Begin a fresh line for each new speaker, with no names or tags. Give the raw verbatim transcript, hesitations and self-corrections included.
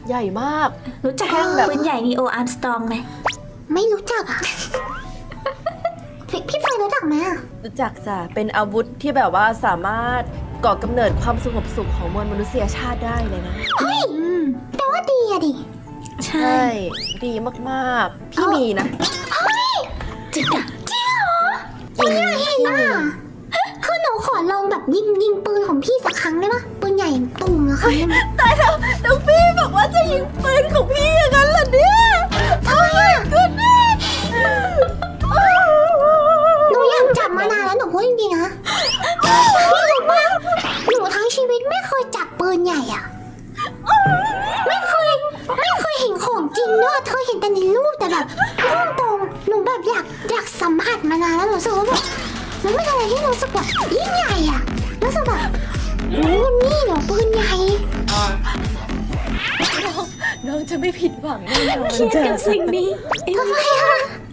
ใหญ่มาก
รู้จัก
แท่งแบบ
ปืนใหญ่นีโออาร์มสตรองไหม
ไม่รู้จักอ่ะ พี่พี่ไฟรู้จักไหมอ่ะ
รู้จักจ้ะเป็นอาวุธที่แบบว่าสามารถก่อกำเนิดความสงบสุขของมวลมนุษยชาติได้เลยนะ
เฮ้ยแปลว่าดีอะดิ
ใช่
ใช่ ดีมากๆ พี่มีนะ
จริงอะ
จริงเหรอ
จริง
เห็นอ่ะคือหนูขอลองแบบยิงยิงปืนของพี่สักครั้งได้ปะปืนใหญ่ตุ่มอะครั้งได้ไหม
ตายแล้วน้องพี่บอกว่าจะยิงปืนของพี่อย่างนั้นเหรอเนี่ย
ทำไมอ่ะ
กูนี่
หนูอยากจับมานานแล้วหนูพูดจริงๆนะพี่รู้ปะหนูทั้งชีวิตไม่เคยจับปืนใหญ่อ่ะ ไม่เคยไม่เคยเห็นของจริงด้วยเคยเห็นแต่ในรูปแต่แบบพูดตรงหนูแบบอยากอยากสัมผัสมานานแล้วหนูรู้สึกว่าแบบมันเป็นอะไรที่รู้สึกแบบยิ่งใหญ่อ่ะรู้สึกแบบโอ้นี่เหรอปืนใหญ่
น้องจะไม่ผิดหวังแน่นอน
เครียดกับสิ่งนี้
ทำไมอ่ะ